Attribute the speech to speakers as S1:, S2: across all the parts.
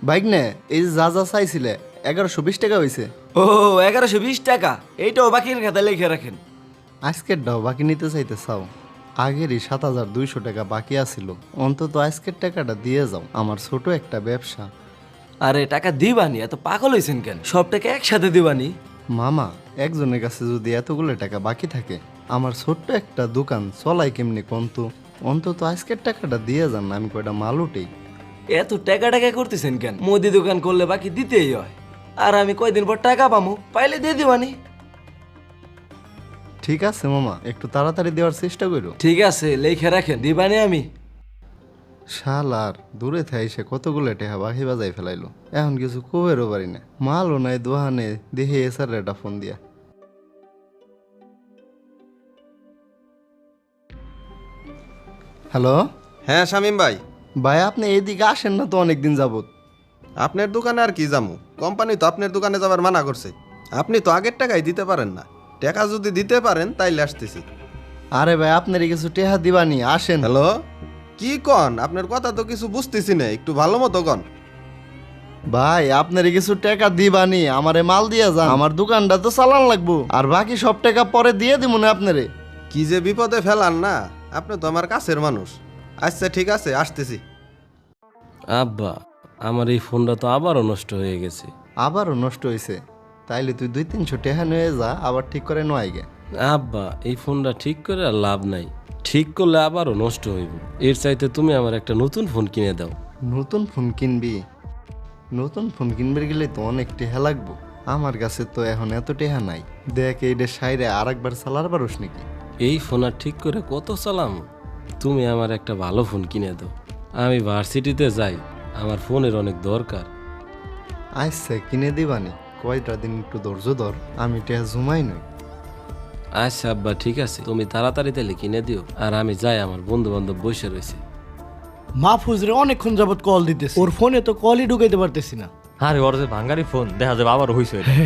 S1: Bike নে, এই যে যা যা চাইছিলে 1120 টাকা হয়েছে।
S2: ও 1120 টাকা, এইটাও বাকির খাতায় লিখে রাখেন।
S1: আজকের ডাও বাকি নিতে চাইতে চাও? আগেরই 7200 টাকা বাকি আছিল, অন্তত আজকের টাকাটা দিয়ে যাও, আমার ছোট একটা ব্যবসা।
S2: আরে টাকা দিবানি, এত পাগল হয়েছেন কেন? সব টাকা একসাথে দিবানি।
S1: মামা, একজনের কাছে যদি এতগুলো টাকা বাকি থাকে, আমার ছোট্ট একটা দোকান চলাই কেমনি কন্তু? অন্তত আজকের টাকাটা দিয়ে যান, আমি কয়টা মাল উঠেই।
S2: এত টাকা টাকা করতেছেন কেন? মুদি দোকান করলে বাকি দিতেই হয়। আর আমি কয়দিন পর টাকা পামু, পাইলে দিয়ে দিবানি।
S1: ঠিক আছে মামা, একটু তাড়াতাড়ি দেওয়ার চেষ্টা করো।
S2: ঠিক আছে, লিখে রাখেন, দিবানি আমি।
S1: শালার দূরে থাই সে কতগুলো টেহা বাকি বাজাই ফেলাইলো, এখন কিছু কবেরও পারি না। মালও নাই দোহানে, দেখে এসার একটা ফোন দিয়া। হ্যালো
S3: হ্যাঁ শামীম ভাই,
S1: ভাই, আপনি এইদিকে আসেন না তো অনেকদিন যাবত।
S3: আপনার দোকানে আর কি যামু? কোম্পানি তো আপনার দোকানে যাবার মানা করছে। আপনি তো আগের টাকাই দিতে পারেন না। টাকা যদি দিতে পারেন তাইলে আসতেছি।
S1: আরে ভাই, আপনার কিছু টেহা দিবানি, আসেন।
S3: হ্যালো, কি কন? আপনার কথা তো কিছু বুঝতেছি না, একটু ভালো মতো কন।
S1: ভাই, আপনার কিছু টাকা দিবানি, আমারে মাল দিয়ে যান, আমার দোকানটা তো চালান লাগবো, আর বাকি সব টাকা পরে দিয়ে দিব না আপনারে।
S3: কি যে বিপদে ফেলান না, আপনি তো আমার কাছের মানুষ। আচ্ছা ঠিক আছে, আসতেছি।
S2: আব্বা, আমার এই ফোনটা তো আবারও নষ্ট হয়ে গেছে।
S1: আবারও নষ্ট হয়েছে? তাইলে তুই 200-300 টাকা নিয়ে যা, আবার ঠিক করে নয় গে।
S2: আব্বা, এই ফোনটা ঠিক করে আর লাভ নাই। ঠিক করলে আবারও নষ্ট হইব। এর চাইতে তুমি আমার একটা নতুন ফোন কিনে দাও।
S1: নতুন ফোন কিনবি? নতুন ফোন কিনবে গেলে তো অনেক টেহা লাগবো, আমার কাছে তো এখন এত টেহা নাই। দেখ, এইটা সাইরে আর একবার চালার পারোস নাকি?
S2: এই ফোন আর ঠিক করে কত চালাম? তুমি আমার একটা ভালো ফোন কিনে দাও। আমি ভার্সিটিতে যাই, আমার ফোনের অনেক দরকার।
S1: আচ্ছা, কিনে দিবানি, কয়টা দিন একটু ধৈর্য ধর, আমি টেহা জুমাই নই।
S2: আচ্ছা আব্বা, ঠিক আছে, তুমি তাড়াতাড়ি তাহলে কিনে দিও। আর আমি যাই, আমার বন্ধু বান্ধব বসে রয়েছে।
S4: মাহফুজরে অনেকক্ষণ যাবত কল দিতেছে, ওর ফোনে তো কলই ঢুকাইতে পারতেছি না।
S5: আরে ওর যে ভাঙ্গারি ফোন, দেখা যাবে আবার হইছে এটা।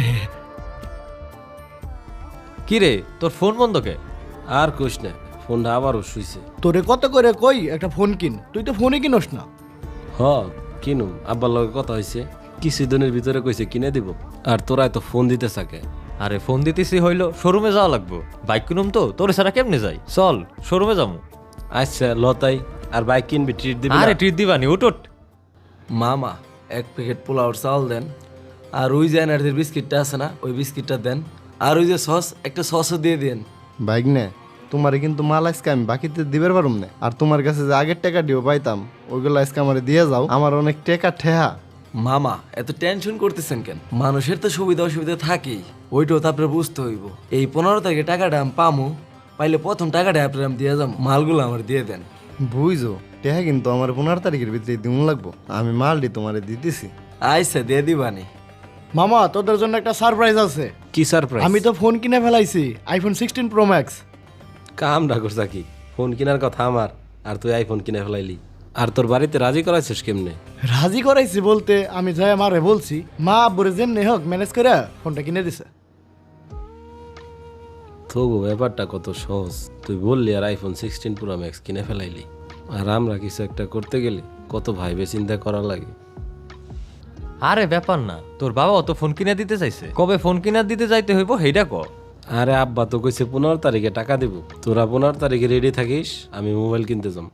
S5: কি রে, তোর ফোন বন্ধ কে?
S2: আর কোশ না, ফোনটা আবারও শুইছে।
S4: তোরে কত করে কই একটা ফোন কিন, তুই তো ফোনই কিনস না।
S2: হ, কিনুম। আব্বার লগে কথা হয়েছে, কিছুদিনের ভিতরে কইছে কিনে দিব। আর তোরা তো ফোন দিতে থাকে।
S5: আরে ফোন দিতেছি হইলো, শোরুমে যাওয়া লাগবো। বাইক কিনুম তো, তোরে ছাড়া কেমনে যাই? চল শোরুমে যাবো।
S2: আচ্ছা লতাই, আর বাইক কিনবি, ট্রিট দিবি না?
S5: আরে ট্রিট দিবানি, উঠ।
S2: মামা, এক প্যাকেট পোলাওর চাল দেন। আর ওই যে এনার্জির বিস্কিটটা আছে না, ওই বিস্কিটটা দেন। আর ওই যে সস, একটা সসও দিয়ে দেন।
S1: বাইক নে, তোমারে কিন্তু মাল আজকে আমি বাকিতে দিবার পারুম না, আর তোমার কাছে যে আগের টাকা দিও পাইতাম, ওইগুলো আজকে আমারে দিয়ে যাও, আমার অনেক টাকা ঠেহা।
S2: মামা, এত টেনশন করতেছেন কেন? মানুষের তো সুবিধা অসুবিধা থাকেই, ওইটাও তো আপনার বুঝতে হইব। এই 15 তারিখে টাকাটা আমি পামু, পাইলে প্রথম টাকাটা আপনার আমি দিয়ে যাবো, মালগুলো আমার দিয়ে দেন।
S1: বুঝছো, টেহা কিন্তু আমার 15 তারিখের ভিতরে দিন লাগবো, আমি মালটি তোমারে দিতেছি।
S2: আচ্ছা, দিয়ে দিবানি।
S4: মামা, তোদের জন্য একটা সারপ্রাইজ আছে।
S2: কি সারপ্রাইজ?
S4: আমি তো ফোন কিনে ফেলাইছি, আইফোন 16 প্রো ম্যাক্স।
S2: কাম না করছা কি? ফোন কেনার কথা আমার, আর তুই আইফোন কিনে ফেলাইলি। আর তোর বাড়িতে রাজি করাইছিস কেমনে?
S4: রাজি করাইছি বলতে, আমি যাই মারে বলছি, মা আব্বুরে যেমনি হোক ম্যানেজ করে ফোনটা কিনে দিছে।
S2: তবু ব্যাপারটা কত সহজ। তুই বললি আর আইফোন 16 প্রো ম্যাক্স কিনে ফেলাইলি। আর আমরা কিছু একটা করতে গেলে কত ভাইবে চিন্তা করা লাগে।
S5: আরে ব্যাপার না, তোর বাবাও তো ফোন কিনে দিতে চাইছে। কবে ফোন কিনে দিতে যাইতে হইব সেইটা ক।
S2: আরে আব্বা তো কইছে 15 তারিখে টাকা দিব। তোরা 15 তারিখে রেডি থাকিস, আমি মোবাইল কিনতে যাম।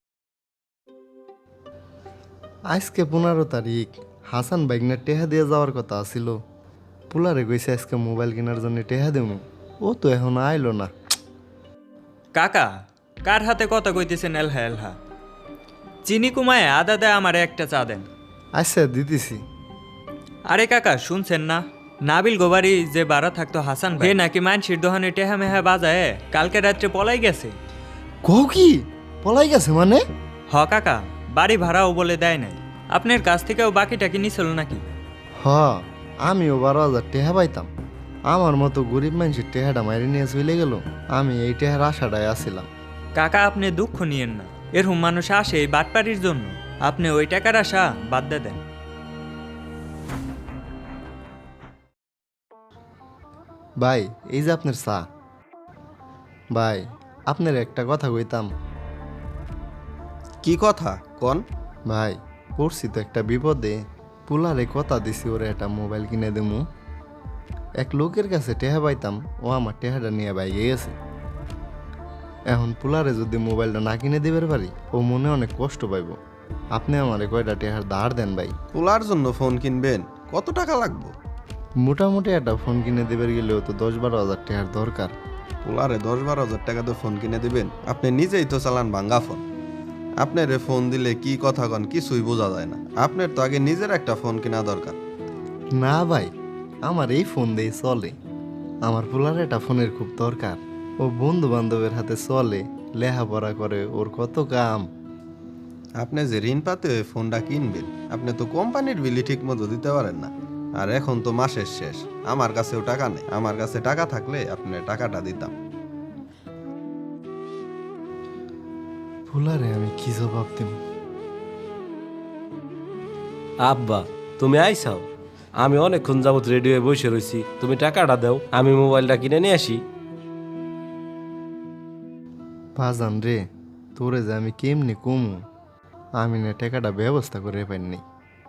S1: আজকে 15 তারিখ, হাসান বাইকনা টেহা দিয়ে যাওয়ার কথা আছিল। পুলারে কইছে আজকে মোবাইল কেনার জন্য টেহা দেবো, ও তো এখন আইলো না।
S6: কাকা, কার হাতে কথা কইতেছেন এলহা এলহা? চিনি কুমায় আদা দেয় আমারে একটা চা দেন।
S1: আচ্ছা, দিতেছি।
S6: আরে কাকা, শুনছেন না? নাবিল গোবারি যে বাড়া থাকতো হাসান ভাই, হে নাকি মানসির দোহানে টেহা মেহা বাজায় কালকে রাত্রে পলাই গেছে।
S1: কও কি? পলাই গেছে মানে?
S6: হ কাকা, বাড়ি ভাড়াও বলে দেয় নাই। আপনার কাছ থেকেও বাকিটা কি নিছিল নাকি?
S1: হ, আমিও 12,000 টেহা পাইতাম, আমার মতো গরিব মানুষের টেহাটা মারি নিয়ে চলে গেল। আমি এই টেহার আশাটায় আসছিলাম।
S6: কাকা, আপনি দুঃখ নিয়েন না। এরকম মানুষ আসে এই বাটপাড়ির জন্য। আপনি ওই টাকার আশা বাদ দিয়ে দেন।
S1: ভাই, এই যে আপনার চা। ভাই, আপনার একটা কথা কইতাম।
S3: কি কথা কন?
S1: ভাই, পড়ছি তো একটা বিপদে। পোলারে কথা দিছি ওরে একটা মোবাইল কিনে দেবো। এক লোকের কাছে টেহা পাইতাম, ও আমার টেহাটা নিয়ে বাইকে গেছে। এখন পোলারে যদি মোবাইলটা না কিনে দিবার পারি, ও মনে অনেক কষ্ট পাইব। আপনি আমারে কয়টা টেহার ধার দেন ভাই।
S3: পোলার জন্য ফোন কিনবেন, কত টাকা লাগবে?
S1: মোটামুটি একটা ফোন কিনে দেবার গেলেও তো 10-12 হাজার টেহার দরকার।
S3: পোলারে 10-12 হাজার টাকা দিয়ে ফোন কিনে দিবেন? আপনি নিজেই তো চালান ভাঙ্গা ফোন। আপনার ফোন দিলে কি কথা কন কিছুই বোঝা যায় না। আপনার তো আগে নিজের একটা ফোন কেনা দরকার।
S1: না ভাই, আমার এই ফোন দিয়ে চলে। আমার পোলার একটা ফোনের খুব দরকার। ও বন্ধু বান্ধবের হাতে চলে, লেখাপড়া করে, ওর কত কাম।
S3: আপনি যে ঋণ পাতে ওই ফোনটা কিনবেন, আপনি তো কোম্পানির বিলি ঠিক মতো দিতে পারেন না। আর এখন তো মাসের শেষ, আমার কাছেও টাকা নেই। আমার কাছে টাকা থাকলে আপনি টাকাটা দিতাম।
S1: পোলারে আমি কি জবাব দেব?
S7: আব্বা তুমি আইসাও, আমি অনেকক্ষণ যাবত রেডি হয়ে বসে রয়েছি, তুমি টাকাটা দাও, আমি মোবাইলটা কিনে নিয়ে আসি।
S1: বাজান রে, তোরে যে আমি কেমনি কমু, আমি না টাকাটা ব্যবস্থা করে পাইনি।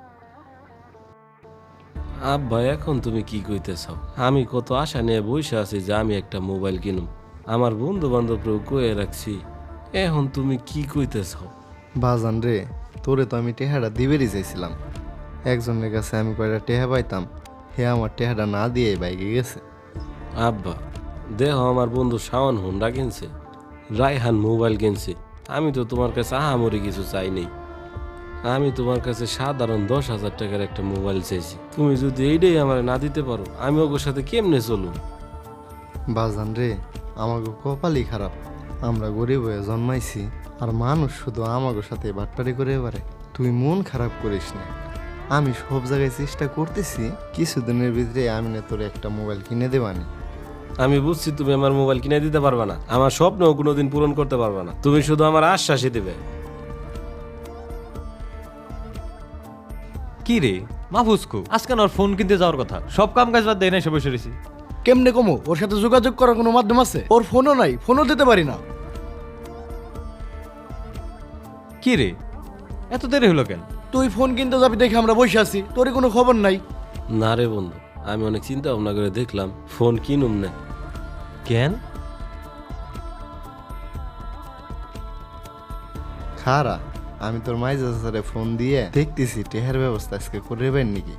S7: আব্বা এখন তুমি কি কইতেছ? আমি কত আশা নিয়ে বসে আছি যে আমি একটা মোবাইল কিনুম, আমার বন্ধু বান্ধবরাও কয়ে রাখছি, এখন তুমি কি কইতেছ?
S1: বাজান রে, তোরে তো আমি টেহাটা দিবেরই চাইছিলাম। একজনের কাছে আমি কয়টা টেহা পাইতাম, হে আমার টেহাটা না দিয়ে বাইকে গেছে।
S7: আব্বা দেহ আমার বন্ধু শাওন হোন্ডা কিনছে, রায়হান মোবাইল কিনছে, আমি তো তোমার কাছে আহামরি কিছু চাই নেই। আমি তোমার কাছে সাধারণ 10,000 টাকার একটা মোবাইল চাইছি, তুমি যদি এইটাই আমার না দিতে পারো, আমি ওর সাথে কেমনে চলুম?
S1: বাজান রে, আমাকে কপালই খারাপ। আমরা গরিব হয়ে জন্মাইছি, আর মানুষ শুধু আমাকে সাথে বাটপারি করে পারে। তুই মন খারাপ করিস না, আমি সব জায়গায় চেষ্টা করতেছি, কিছুদিনের ভিতরে আমি না তোর একটা মোবাইল কিনে দেবানি।
S7: আমি বুঝছি তুমি আমার মোবাইল কিনে দিতে পারবে না, আমার স্বপ্নও কোনোদিন পূরণ করতে পারবে না, তুমি শুধু আমার আশ্বাসই দিবে।
S5: কি রে মাহফুজকু, আজকে না ওর ফোন কিনতে যাওয়ার কথা, সব কাম কাজ বাদ দিয়ে না এসে বসে রয়েছি।
S4: কেমনে কমো? ওর সাথে যোগাযোগ করার কোনো মাধ্যম আছে? ওর ফোনও নাই, ফোনও দিতে পারি না।
S5: কি রে এত দেরি হলো কেন?
S4: তুই ফোন কিনতে যাবি দেখে আমরা বসে আছি, তোরই কোনো খবর নাই।
S7: না রে বন্ধু, আমি অনেক চিন্তা ভাবনা করে দেখলাম ফোন কিনুম না।
S5: কেন?
S1: খারা, আমি তোর মাইজা স্যারে ফোন দিয়ে দেখতেছি টেহার ব্যবস্থা আজকে করে পাই নাকি।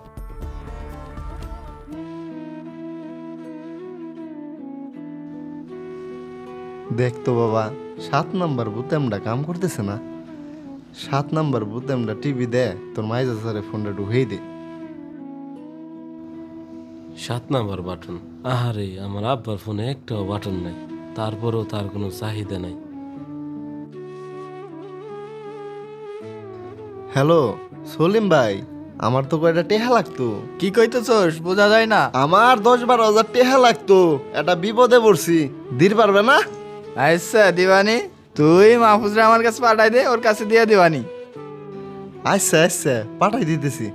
S1: দেখ তো বাবা, 7 নাম্বার বুতামটা কাম করতেছে না। 7 নাম্বার বুতামটা টিভি দে, তোর মাইজা স্যারে ফোনটা ঢুকেই দে।
S7: 7 নাম্বার বাটন? আহারে, আমার আব্বার ফোনে একটাও বাটন নাই, তারপরেও তার কোনো চাহিদা নাই।
S1: হ্যালো সলিম ভাই, আমার তো কয়টা টেহা লাগতো।
S8: কি কইতেছস বোঝা যায় না।
S1: আমার 10-12 হাজার টেহা লাগতো, একটা বিপদে পড়ছি, দির পারবে না?
S8: আচ্ছা দিবানি, তুই মাহফুজরা আমার কাছে পাঠাই দে, ওর কাছে দিয়ে দিবানি।
S1: আচ্ছা আচ্ছা, পাঠাই দিতেছি।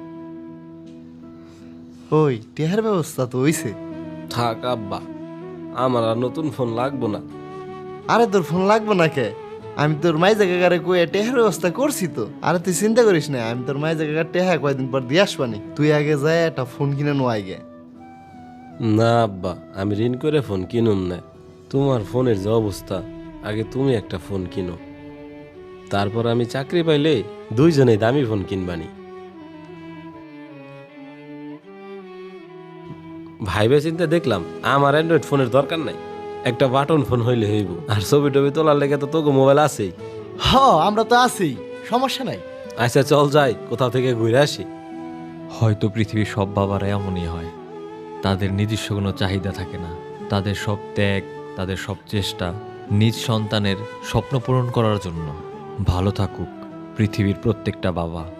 S1: ওই টেহার ব্যবস্থা তো হইছে।
S7: থাক আব্বা, আমার আর নতুন ফোন লাগবো না।
S1: আরে তোর ফোন লাগবে না কে? আমি তোর মাইজা কাকারে কয়ে টেহার ব্যবস্থা করছি তো। আরে তুই চিন্তা করিস না, আমি তোর মাইজা কাকার টেহা কয়দিন পর দিয়ে আসবানি। তুই আগে যায় একটা ফোন কিনে নো আগে।
S7: না আব্বা, আমি ঋণ করে ফোন কিনুম না। তোমার ফোনের যে অবস্থা, আগে তুমি একটা ফোন কিনো, তারপর আমি চাকরি পাইলে দুইজনেই দামি ফোন কিনবানি। ভাইবে চিন্তা দেখলাম আমার অ্যান্ড্রয়েড ফোনের দরকার নাই, একটা বাটন ফোন হইলে হইব। আর ছবি টবি তোলার লেগে তো তোকে মোবাইল আছেই।
S4: হ, আমরা তো আছি, সমস্যা নাই।
S7: আচ্ছা চল যাই, কোথাও থেকে ঘুরে আসি।
S5: হয়তো পৃথিবীর সব বাবারা এমনই হয়, তাদের নিজস্ব কোনো চাহিদা থাকে না। তাদের সব ত্যাগ, তাদের সব চেষ্টা নিজ সন্তানের স্বপ্ন পূরণ করার জন্য। ভালো থাকুক পৃথিবীর প্রত্যেকটা বাবা।